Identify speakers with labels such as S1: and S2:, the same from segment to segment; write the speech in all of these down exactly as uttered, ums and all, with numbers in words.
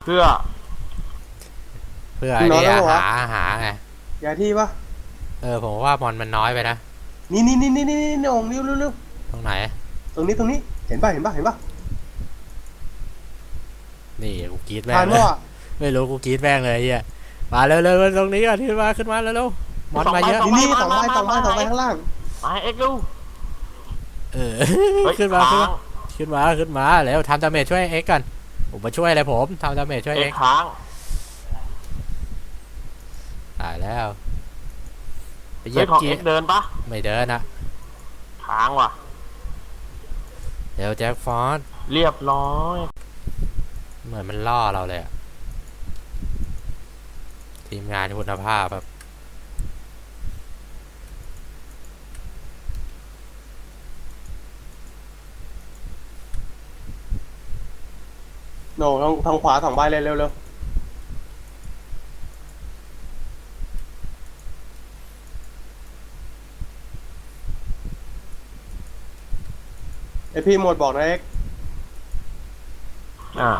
S1: พื่อ
S2: เพื่อไอ้นี่หาหาไง
S3: อย่าที่ปะ
S2: เออผมว่ามอนมันน้อยไปนะ
S3: นี่นี่นี่นี่นี่นี่องเร็วเร็วเร็ว
S2: ตรงไหน
S3: ตรงนี้ตรงนี้เห็นป่ะเห็นป่ะเห็นป่ะ
S2: นี่กูกรีดแม่งเลยไม่รู้กูกรีดแม่งเลยเฮียมาเร็วเร็วตรงนี้ก่อนขึ้นมาขึ้นมาเร็วเร็วมอนมาเยอะ
S3: นี่นี่สองใบสองใบสองใบข้างล่าง
S1: มาเอ็กซ์ดู
S2: เออขึ้นมาขึ้นมาขึ้นมาขึ้นมาแล้วทำดาเมจช่วยเอ็กกันผมมาช่วยอะไรผมทำดาเมจช่วยเอ็ก
S1: ค้าง
S2: ตายแล้ว
S1: ไปเหยียบเอ็กเดินปะ
S2: ไม่เดินนะ
S1: ค้างว่ะ
S2: เดี๋ยวแจ็คฟอส
S1: เรียบร้อย
S2: เหมือนมันล่อเราเลยทีมงานคุณภาพแบบ
S3: โน่ทางทางขวาสองใบเลยเร็วเร็วไอพี่หมดบอกนะเอ็ก
S1: อ่า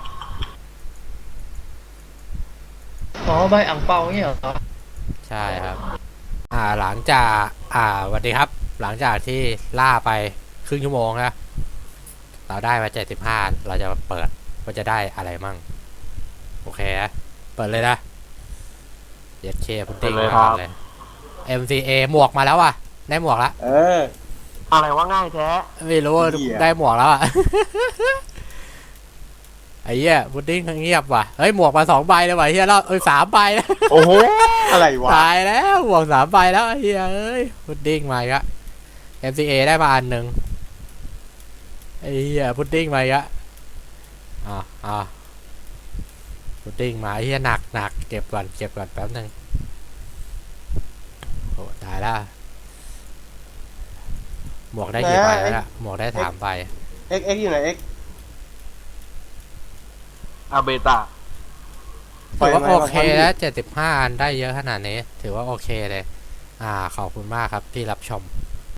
S4: อ๋อใบอ่างเปาเนี่ยเหรอ
S2: ใช่ครับอ่าหลังจากอ่าสวัสดีครับหลังจากที่ล่าไปครึ่งชั่วโมงนะเราได้มาเจ็ดสิบห้าเราจะเปิดว่าจะได้อะไรมั่งโอเคเปิดเลยนะเย็ดเคพุดดิ้งมาเลย เอ็ม ซี เอ หมวกมาแล้วอ่ะได้หมวกแล้ว
S3: เออ
S1: อะไรว่าง่ายแท้
S2: ไม่รู้ได้หมวกแล้วอ่ะไอ้เหี้ยพุดดิ้งเงียบว่ะเฮ้ยหมวกมาสองใบเลยว่ะเฮียแล้วเอ้ยสามใบแล้ว
S3: โอ้โหอะไรวะ
S2: ตายแล้วหมวกสามใบแล้วเฮียเอ้ยพุดดิ้งมาอีกแล้ว เอ็ม ซี เอ ได้มาอันหนึ่งไอ้เหี้ยพุดดิ้งมาอีกแล้วอ่าอ่าพุดดิ้งมาไอ้เหี้ยหนักหนักเก็บก่อนเก็บก่อนแป๊บนึงโอ้ตายแล้วหมวกได้กี่ใบแล้วหมวกได้สามใบ
S3: เอ็กเอ็กอยู่ไหนเอ็ก
S1: อาเบต้า
S2: ถือว่าโอเคแล้วเจ็ดสิบห้าอันได้เยอะขนาดนี้ถือว่าโอเคเลยอ่าขอบคุณมากครับที่รับชม